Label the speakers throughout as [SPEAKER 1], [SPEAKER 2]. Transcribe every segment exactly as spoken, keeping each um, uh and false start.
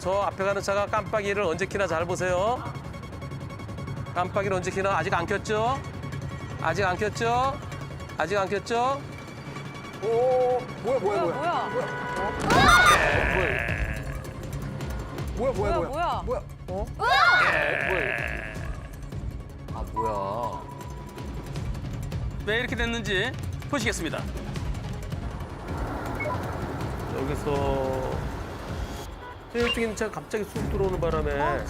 [SPEAKER 1] 그래서 앞에 가는 차가 깜빡이를 언제 켜나 잘 보세요. 깜빡이를 언제 켜나 아직 안 켰죠? 아직 안 켰죠? 아직 안 켰죠?
[SPEAKER 2] 오, 뭐야, 뭐야, 뭐야.
[SPEAKER 3] 뭐야?
[SPEAKER 2] 뭐야, 뭐야,
[SPEAKER 3] 뭐야,
[SPEAKER 2] 뭐야.
[SPEAKER 3] 뭐야?
[SPEAKER 2] 뭐야?
[SPEAKER 4] 어? 아 뭐야?
[SPEAKER 5] 왜 이렇게 됐는지 보시겠습니다.
[SPEAKER 1] 여기서 저쪽에 있는 차가 갑자기 쑥 들어오는 바람에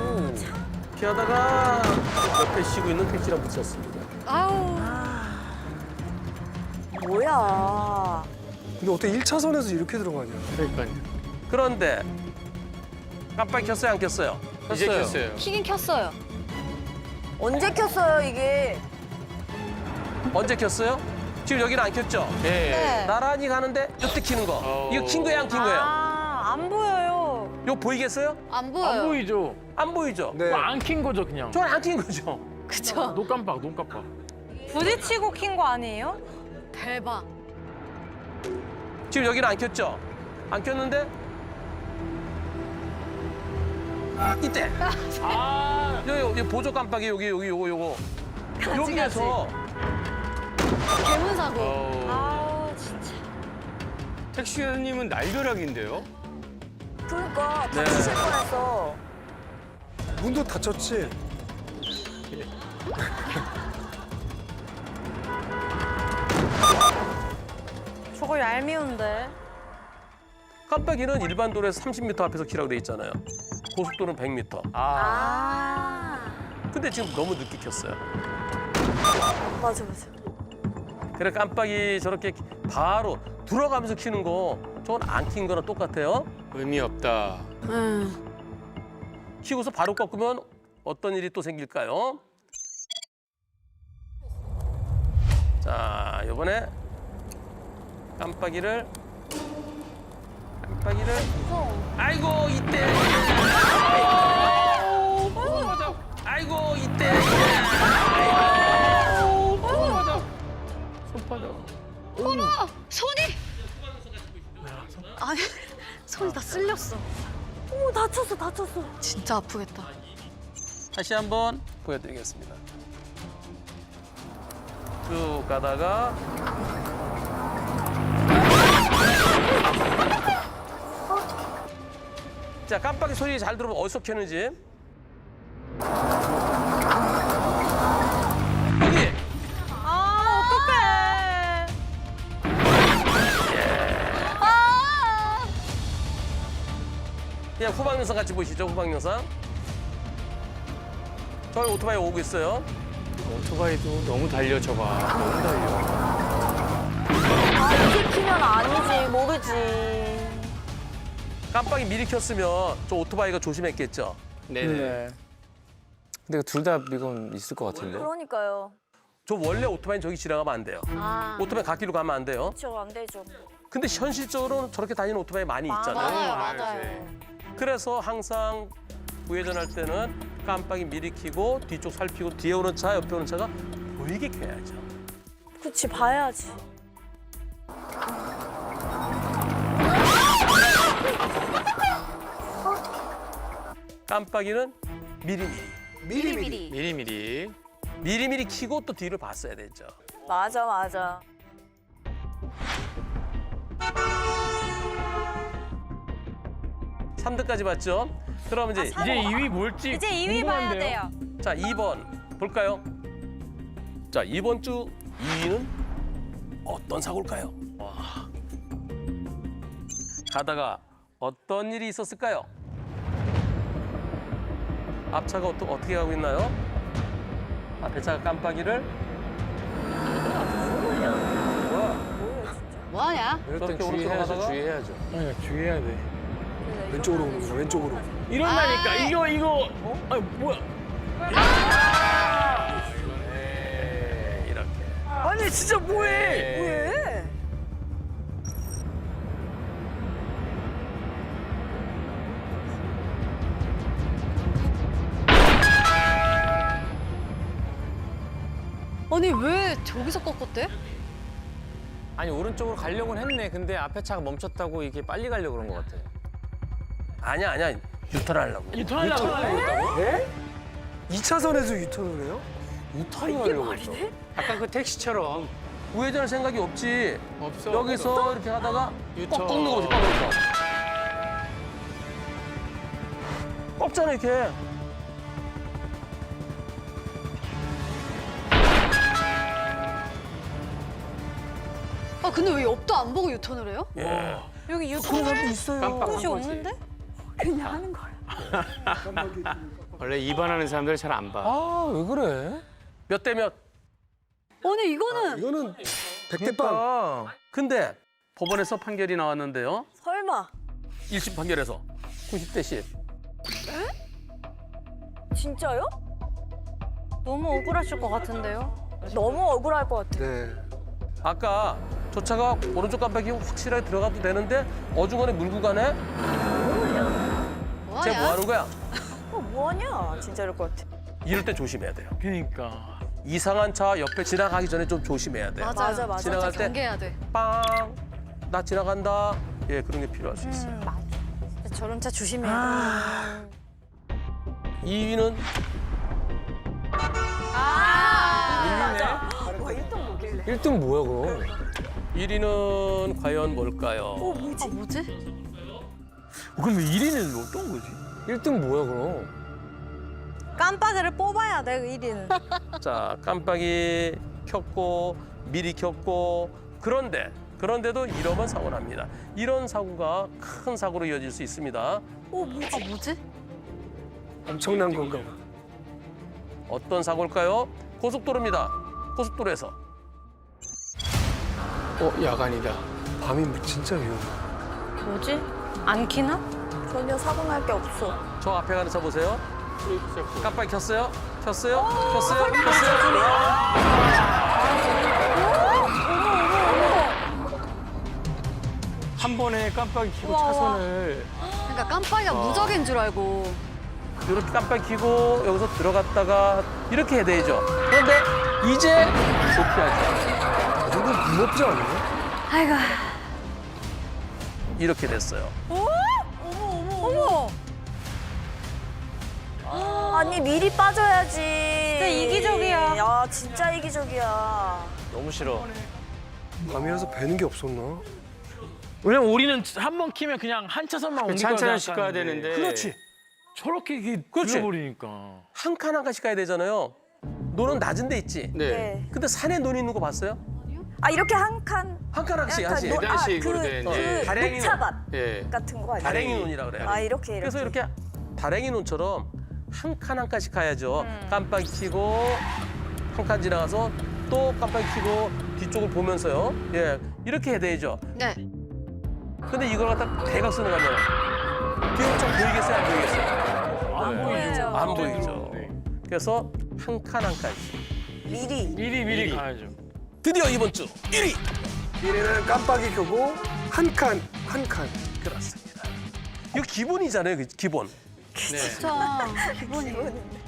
[SPEAKER 1] 피하다가 옆에 쉬고 있는 택시랑 부딪혔습니다.
[SPEAKER 3] 아우.
[SPEAKER 2] 뭐야. 근데 어떻게 일 차선에서 이렇게 들어가냐.
[SPEAKER 4] 그러니까요.
[SPEAKER 1] 그런데 깜빡이 켰어요, 안 켰어요?
[SPEAKER 4] 이제 켰어요.
[SPEAKER 3] 키긴 켰어요.
[SPEAKER 6] 언제 켰어요, 이게?
[SPEAKER 1] 언제 켰어요? 지금 여기는 안 켰죠?
[SPEAKER 4] 예.
[SPEAKER 3] 네.
[SPEAKER 1] 나란히 가는데 이때 키는 거.
[SPEAKER 4] 어.
[SPEAKER 1] 이거 킨 거예요, 안 킨 거예요?
[SPEAKER 6] 아, 안 보여요.
[SPEAKER 1] 이거 보이겠어요?
[SPEAKER 3] 안 보여요.
[SPEAKER 4] 안 보이죠?
[SPEAKER 1] 안 보이죠?
[SPEAKER 2] 네.
[SPEAKER 4] 안 킨 거죠 그냥.
[SPEAKER 1] 저는 안 킨 거죠?
[SPEAKER 3] 그쵸?
[SPEAKER 4] 눈 깜빡, 눈 깜빡.
[SPEAKER 6] 부딪히고 킨 거 아니에요?
[SPEAKER 3] 대박.
[SPEAKER 1] 지금 여기는 안 켰죠? 안 켰는데 이때
[SPEAKER 4] 아.
[SPEAKER 1] 여기, 여기 보조 깜빡이 여기 여기 요거 요거 여기에서
[SPEAKER 3] 개문 사고.
[SPEAKER 4] 어.
[SPEAKER 6] 아우, 진짜.
[SPEAKER 4] 택시님은 날벼락인데요?
[SPEAKER 6] 그러니까
[SPEAKER 1] 네.
[SPEAKER 6] 다치실 뻔했어.
[SPEAKER 2] 문도 닫혔지?
[SPEAKER 6] 저거 얄미운데.
[SPEAKER 1] 깜빡이는 일반 도로에서 삼십 미터 앞에서 키라고 돼 있잖아요. 고속도로는 백 미터.
[SPEAKER 4] 아.
[SPEAKER 6] 아,
[SPEAKER 1] 근데 지금 너무 늦게 켰어요.
[SPEAKER 6] 맞아, 맞아.
[SPEAKER 1] 그래 깜빡이 저렇게 바로 들어가면서 키는 거 저건 안 킨 거랑 똑같아요.
[SPEAKER 4] 의미 없다.
[SPEAKER 1] 키고서 바로 꺾으면 어떤 일이 또 생길까요? 자, 이번에 깜빡이를 깜빡이를 아이고 이때 아이고 이때 손바닥
[SPEAKER 3] 어머, 손이. 아니, 손이 다 쓸렸어.
[SPEAKER 6] 어머, 다쳤어, 다쳤어.
[SPEAKER 3] 진짜 아프겠다.
[SPEAKER 1] 다시 한번 보여드리겠습니다. 쭉 가다가 자 깜빡이 소리 잘 들어보면 어디서 켰는지 여기
[SPEAKER 6] 아, 어떡해.
[SPEAKER 3] 아!
[SPEAKER 1] 그냥 후방 영상 같이 보시죠. 후방 영상. 저희 오토바이 오고 있어요.
[SPEAKER 4] 오토바이도 너무 달려 저봐. 너무 달려.
[SPEAKER 6] 아, 이렇게 키면 아니지, 모르지.
[SPEAKER 1] 깜빡이 미리 켰으면 저 오토바이가 조심했겠죠.
[SPEAKER 4] 네네.
[SPEAKER 7] 근데 둘 다 이건 있을 것 같은데.
[SPEAKER 6] 그러니까요.
[SPEAKER 1] 저 원래 오토바이는 저기 지나가면 안 돼요.
[SPEAKER 6] 아,
[SPEAKER 1] 오토바이 갓길로 가면 안 돼요.
[SPEAKER 6] 그렇죠, 안 되죠.
[SPEAKER 1] 근데 현실적으로는 저렇게 다니는 오토바이 많이 있잖아요.
[SPEAKER 3] 맞아요,
[SPEAKER 4] 맞아요.
[SPEAKER 3] 맞아요.
[SPEAKER 1] 그래서 항상 우회전할 때는 깜빡이 미리 켜고 뒤쪽 살피고 뒤에 오는 차, 옆에 오는 차가 보이게 켜야죠.
[SPEAKER 6] 그치, 봐야지.
[SPEAKER 1] 깜빡이는 미리미리.
[SPEAKER 2] 미리미리.
[SPEAKER 4] 미리미리.
[SPEAKER 1] 미리미리 켜고 또 뒤를 봤어야 되죠.
[SPEAKER 6] 맞아, 맞아.
[SPEAKER 1] 삼 등까지 봤죠? 그럼 이제
[SPEAKER 4] 이제 이 위 뭘지
[SPEAKER 6] 이제 이 위 봐야
[SPEAKER 4] 궁금한데요?
[SPEAKER 6] 돼요.
[SPEAKER 1] 자, 이 번 볼까요? 자, 이번 주 이 위는 어떤 사고일까요? 와. 가다가 어떤 일이 있었을까요? 앞차가 어떠, 어떻게 가고 있나요? 앞에 차가 깜빡이를
[SPEAKER 3] 뭐하냐?
[SPEAKER 7] 이럴 땐
[SPEAKER 1] 저렇게 오른쪽으로
[SPEAKER 7] 주의해야죠,
[SPEAKER 1] 가다가?
[SPEAKER 7] 주의해야죠.
[SPEAKER 4] 네, 주의해야 돼.
[SPEAKER 2] 왼쪽으로 오는 거야, 왼쪽으로.
[SPEAKER 4] 이런다니까.
[SPEAKER 3] 아.
[SPEAKER 4] 이거 이거. 아 뭐야?
[SPEAKER 1] 네, 이렇게.
[SPEAKER 4] 아니 진짜 뭐해?
[SPEAKER 6] 왜?
[SPEAKER 3] 아니, 왜 저기서 꺾었대?
[SPEAKER 7] 아니 오른쪽으로 가려고는 했네. 근데 앞에 차가 멈췄다고 이게 빨리 가려고 그런 것 같아.
[SPEAKER 1] 아니야, 아니야. 유턴하려고.
[SPEAKER 5] 유턴하려고 그랬다고?
[SPEAKER 2] 네? 이 차선에서 유턴을 해요?
[SPEAKER 7] 유턴을 하려고 했어.
[SPEAKER 4] 아까 그 택시처럼
[SPEAKER 1] 우회전할 생각이 없지.
[SPEAKER 4] 없어.
[SPEAKER 1] 여기서 이렇게 하다가
[SPEAKER 4] 유턴.
[SPEAKER 1] 꼭 꺾는 거지, 꺾는 거. 꺾잖아, 이렇게.
[SPEAKER 3] 아 근데 왜 옆도 안 보고 유턴을 해요?
[SPEAKER 1] 예.
[SPEAKER 6] 여기
[SPEAKER 2] 그런
[SPEAKER 6] 유튜브
[SPEAKER 2] 사람도 있어요.
[SPEAKER 4] 깜빡한
[SPEAKER 6] 곳이
[SPEAKER 4] 거지.
[SPEAKER 6] 없는데? 그냥 하는 거야.
[SPEAKER 4] 원래 입안하는 사람들 잘 안 봐.
[SPEAKER 7] 아, 왜 그래?
[SPEAKER 1] 몇 대 몇.
[SPEAKER 3] 아니 이거는
[SPEAKER 2] 이거는 백대빵.
[SPEAKER 1] 근데
[SPEAKER 5] 법원에서 판결이 나왔는데요.
[SPEAKER 6] 설마.
[SPEAKER 5] 일 심 판결에서.
[SPEAKER 1] 구십 대 십.
[SPEAKER 6] 진짜요?
[SPEAKER 3] 너무 억울하실 것 같은데요?
[SPEAKER 6] 너무 억울할 것 같아.
[SPEAKER 2] 네.
[SPEAKER 1] 아까 저 차가 오른쪽 깜빡이 확실하게 들어가도 되는데 어중간에 물고 가네?
[SPEAKER 3] 뭐하냐?
[SPEAKER 1] 쟤 뭐 하는 거야?
[SPEAKER 6] 어, 뭐하냐? 진짜 이럴 것 같아.
[SPEAKER 1] 이럴 때 조심해야 돼요.
[SPEAKER 5] 그러니까.
[SPEAKER 1] 이상한 차 옆에 지나가기 전에 좀 조심해야 돼요.
[SPEAKER 3] 맞아요.
[SPEAKER 6] 맞아, 맞아.
[SPEAKER 1] 지나갈
[SPEAKER 3] 진짜
[SPEAKER 1] 때
[SPEAKER 3] 경계해야 돼.
[SPEAKER 1] 빵! 나 지나간다. 예, 그런 게 필요할 수 있어요.
[SPEAKER 6] 음, 맞아. 저런 차 조심해야
[SPEAKER 3] 아.
[SPEAKER 1] 이 위는
[SPEAKER 6] 맞아. 와, 일등 뭐길래.
[SPEAKER 7] 일 등 뭐야, 그럼?
[SPEAKER 1] 일 위는 과연 뭘까요?
[SPEAKER 6] 어, 뭐지?
[SPEAKER 3] 아 뭐지?
[SPEAKER 5] 그럼 일 위는 어떤 거지?
[SPEAKER 7] 일 등 뭐야, 그럼?
[SPEAKER 6] 깜빡이를 뽑아야 돼, 일 위는.
[SPEAKER 1] 자, 깜빡이 켰고 미리 켰고 그런데 그런데도 이러면 사고 납니다. 이런 사고가 큰 사고로 이어질 수 있습니다.
[SPEAKER 6] 어, 뭐지?
[SPEAKER 3] 아 뭐지?
[SPEAKER 2] 엄청난 건가 봐.
[SPEAKER 1] 어떤 사고일까요? 고속도로입니다. 고속도로에서
[SPEAKER 4] 어, 야간이다.
[SPEAKER 2] 밤이 뭐 진짜 위험해.
[SPEAKER 6] 뭐지? 안 키나? 전혀 사고 날 게 없어.
[SPEAKER 1] 저 앞에 가는 차 보세요. 깜빡이 켰어요? 켰어요? 켰어요? 켰어요?
[SPEAKER 4] 한 번에 깜빡이 켜고 차선을
[SPEAKER 3] 그러니까 깜빡이가 무적인 줄 알고.
[SPEAKER 1] 이렇게 깜빡이 켜고 여기서 들어갔다가 이렇게 해야 되죠. 그런데 이제 도피하죠.
[SPEAKER 2] 이 정도 무섭지 않아요?
[SPEAKER 3] 아이고.
[SPEAKER 1] 이렇게 됐어요.
[SPEAKER 6] 어머. 아니, 미리 빠져야지. 진짜
[SPEAKER 3] 이기적이야.
[SPEAKER 6] 야, 진짜 이기적이야.
[SPEAKER 7] 너무 싫어.
[SPEAKER 2] 밤이라서 배는 게 없었나?
[SPEAKER 5] 왜냐면 우리는 한 번 키면 그냥 한 차선만 옮길 거야
[SPEAKER 4] 찬찬씩 가야 되는데.
[SPEAKER 1] 그렇지.
[SPEAKER 5] 저렇게 이게
[SPEAKER 1] 그렇지.
[SPEAKER 5] 들어버리니까.
[SPEAKER 1] 한 칸 한 칸씩 가야 되잖아요. 노는 낮은 데 있지.
[SPEAKER 4] 네.
[SPEAKER 6] 네.
[SPEAKER 1] 근데 산에 논 있는 거 봤어요?
[SPEAKER 6] 아, 이렇게 한 칸.
[SPEAKER 1] 한 칸 한씩
[SPEAKER 6] 약간
[SPEAKER 1] 한씩.
[SPEAKER 6] 노- 아,
[SPEAKER 4] 계단식으로
[SPEAKER 6] 그,
[SPEAKER 4] 돼
[SPEAKER 6] 그
[SPEAKER 4] 있네.
[SPEAKER 1] 다랭이
[SPEAKER 6] 녹차밭
[SPEAKER 4] 예.
[SPEAKER 6] 같은 거 아니야?
[SPEAKER 1] 다랭이 논이라 그래요.
[SPEAKER 6] 아, 이렇게, 이렇게.
[SPEAKER 1] 그래서 이렇게 다랭이 논처럼 한 칸 한 칸씩 가야죠. 깜빡이 켜고 한 칸 지나가서 또 깜빡이 켜고 뒤쪽을 보면서요. 예, 이렇게 해야 되죠.
[SPEAKER 3] 네.
[SPEAKER 1] 근데 이걸 갖다 대각 쓰는 거면 뒤에 좀 보이겠어요? 안 보이겠어요?
[SPEAKER 5] 안 보이죠.
[SPEAKER 1] 안 보이죠.
[SPEAKER 5] 네.
[SPEAKER 1] 그래서 한 칸 한 칸씩.
[SPEAKER 6] 미리.
[SPEAKER 5] 미리 미리 가야죠.
[SPEAKER 1] 드디어 이번 주 일 위!
[SPEAKER 2] 일 위는 깜빡이 켜고 한 칸, 한 칸.
[SPEAKER 1] 그렇습니다. 이거 기본이잖아요, 그 기본.
[SPEAKER 3] 진짜 기본이.